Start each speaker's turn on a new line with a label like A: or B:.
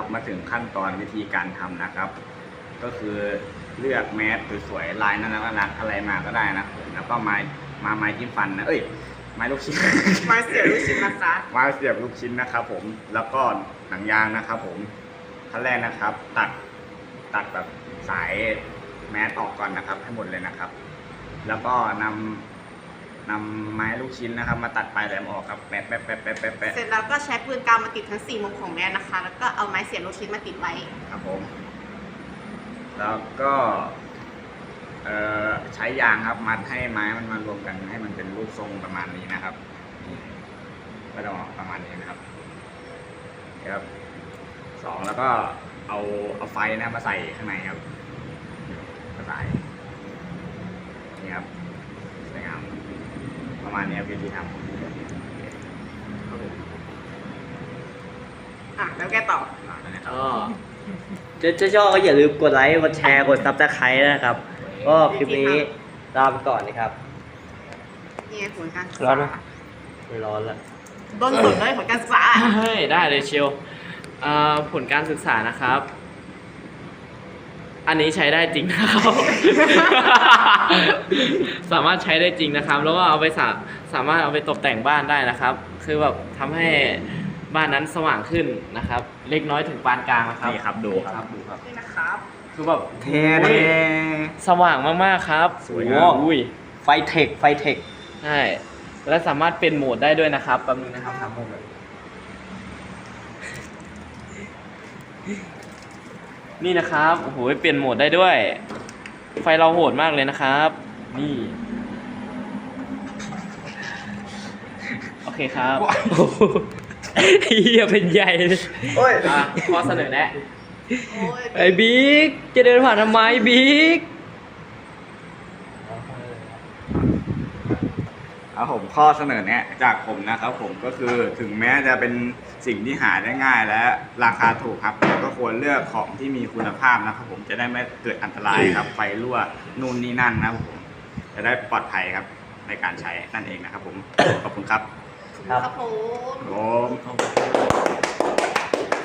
A: มาถึงขั้นตอนวิธีการทำนะครับ ก็คือเลือกแมสสวยๆลายน่ารักอะไรมาก็ได้นะแล้วก็ไม้จิ้มฟันนะไม้ลูกชิ้น
B: ไม้เสียบลูกชิ้นนะคะ
A: ไม้เสียบลูกชิ้นนะครับผมแล้วก็หนังยางนะครับผมขั้นแรกนะครับตัดแบบสายแมสออกก่อนนะครับให้หมดเลยนะครับ แล้วก็นำไม้ลูกชิ้นนะครับมาตัดปลายแหลมออกครับแปะ
B: เสร็จแล้วก็ใช้ปืนกาวมาติดทั้ง4มุมของแม่นะคะ แล้วก็เอาไม้เสียบลูกชิ้นมาติดไว้
A: ครับผมแล้วก็ใช้ยางครับมัดให้ไม้มันมารวมกันให้มันเป็นรูปทรงประมาณนี้นะครับนี่ก็จะออกประมาณนี้นะครับครับ2แล้วก็เอาไฟนะมาใส่ข้างในครับมาใส่นี่ครับสวยงามประมาณนี้ครับวิธีทำครับผม
B: แล้วแกต่อ
A: นะครับ
C: จะชอบก็อย่าลืมกดไลค์กดแชร์กดซับสไครต์นะครับก็คลิปนี้ลาไปก่อนนะครับ
B: นี่ไงผลการศึก
C: ร้อนไหม
B: ษา
C: ไม่ร้อนละ
B: ต้นสุดเลยผลการศึกษา
D: เฮ้ยได้เลยเชียวผลการศึกษานะครับ อันนี้ใช้ได้จริงนะครับ สามารถใช้ได้จริงนะครับ แล้วก็เอาไปสามารถเอาไปตกแต่งบ้านได้นะครับ คือแบบทำให้บ้านนั้นสว่างขึ้นนะครับ เล็กน้อยถึงปานกลางนะครับ
A: นี่ครับดูครับ
D: ดูครับ
B: นี่นะครับ
D: คือแบบ
A: เท่
D: สว่างมากๆครับ
A: สวยงาม
D: อุ้ย
C: ไฟเทค
D: ใช่และสามารถเป็นโหมดได้ด้วยนะครับแป๊บนึงนะครับทำโหมดนี่นะครับโอ้โหเปลี่ยนโหมดได้ด้วย ไฟเราโหดมากเลยนะครับ นี่โอเคครับเฮียเป็นใหญ่เลย
A: โอ้ย
D: ข้อเสนอแนะ
B: โอ้ย
D: ไอ้บิ๊กจะเดินผ่านทำไมบิ๊ก
A: ครับผมข้อเสนอแนะจากผมนะครับผมก็คือถึงแม้จะเป็นสิ่งที่หาได้ง่ายและราคาถูกครับแต่ก็ควรเลือกของที่มีคุณภาพนะครับผมจะได้ไม่เกิดอันตรายครับไฟรั่วนู่นนี่นั่นนะครับผมจะได้ปลอดภัยครับในการใช้นั่นเองนะครับผมขอบคุณครับ
C: ครับ
B: ครับผม
A: ผม